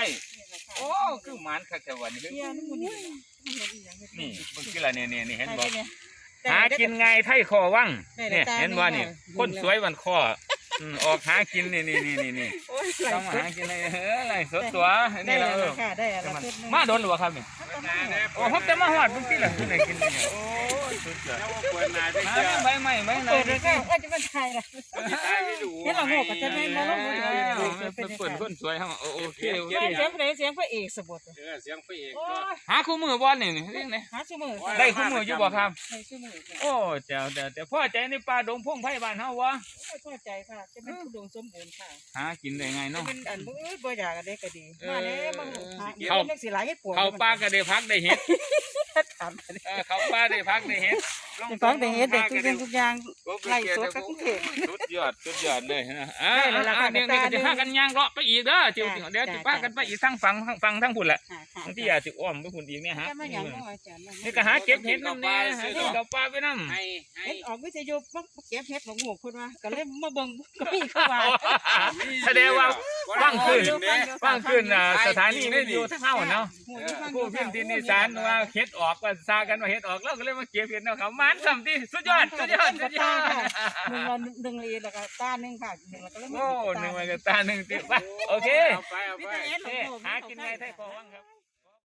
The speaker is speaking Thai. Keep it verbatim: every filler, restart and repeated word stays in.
โอ้คือหมานคักแต่วันนี้เฮียนี่มันนี่นี่มึงคืออะไรเนี่ยเนี่ยเห็นบ่หาหากินไงไทยคอวังได้เนี่ยตาเห็นว่าหนึ่นี่งคนสวยวันคออืมออกหากินนี่นี่นี่นี่นี่โอ้ยไหลต้องสุดหากินในเอออะไรสดตัวได้นี่แล้เราวเออค่ะได้แล้วมาโดนหรือเปล่าครับนี่โอ้ผมจะมาหอดเพิ่งที่หลังที่ไหนกินเนี่ยโอ้สุดยอดเปิดนาได้หาเจอใบใหม่ใบไหนเปิดเลยก็เอ้ยจะเป็นไทยล่ะตายไม่ดูเห็นเราโง่กับจะไม่มาลงเอมืออเป็นคนคนสวยครับโอเคโอเคเสียงเพลงเสียงพระเอกสมบูรณ์เออเสียงพระเอกโอ้ยหาคู่มือบอลนี่นี่เรื่องไหนหาชั่วโมงได้คู่มืออยู่บ่ครับได้ชั่วโมงค่ะโอ้เจ้าแต่แต่พ่อใจในป่าดงพงไผ่บ้านเฮาวะพอใจค่ะจะเป็นผู้ดวงสมบูรณ์ค่ะหากินได้ไงจะเนาะเป็นอันมือบ่อยากกันได้ก็ดีมาเนี้ยมันหาเขาเรื่องสิหลายให้ปวดเขาป่าก็ได้พักได้เห็ดถามเออเขาป่าได้พักได้เห็ดเป็นของแต่เฮ็ดเด็กทุกอย่างทุกอย่างไล่สดกับกรุงเทพสุดยอดสุดยอดเลยนะอ่าได้เลยล่ะค่ะเดี๋ยวนี้ก็จะพากันย่างเลาะไปอีกเด้อเดี๋ยวเดี๋ยวจะพากันไปอีกทั้งฝั่งทั้งฝั่งทั้งพุ่นแหละค่ะค่ะบางทีอาจจะอ้อมไปพุ่นอีกเนี่ยฮะจะมาอย่างน้อยจ้ะนี่ก็หาเก็บเห็ดน้ำเนี่ยหาเห็ดกับปลาไปน้ำให้ให้เฮ็ดออกวิทยุมาเก็บเฮ็ดของหมู่เพิ่นว่าก็เลยมาเบิ่งก็มีเข้ามาแสดงว่าฟังขึ้นฟังขึ้นอ่าสถานีวิทยุทั้งเฮาเนาะผู้พิมพ์ที่นิสานว่าเฮ็ดออกว่าซากันว่าเฮ็ดออกแล้วก็เลยมาเก็บเห็ดเนาะเขามันทำที่สุดยอดสุดยอดสุดยอดหนึ่งละหนึ่งลีแล้วก็ตาหนึ่งค่ะหนึ่งแล้วก็เลยโอ้หนึ่งวันกับตาหนึ่งติดไปโอเคเอาไปเอาไปวิทยุหากินไงไทยพอวังครับ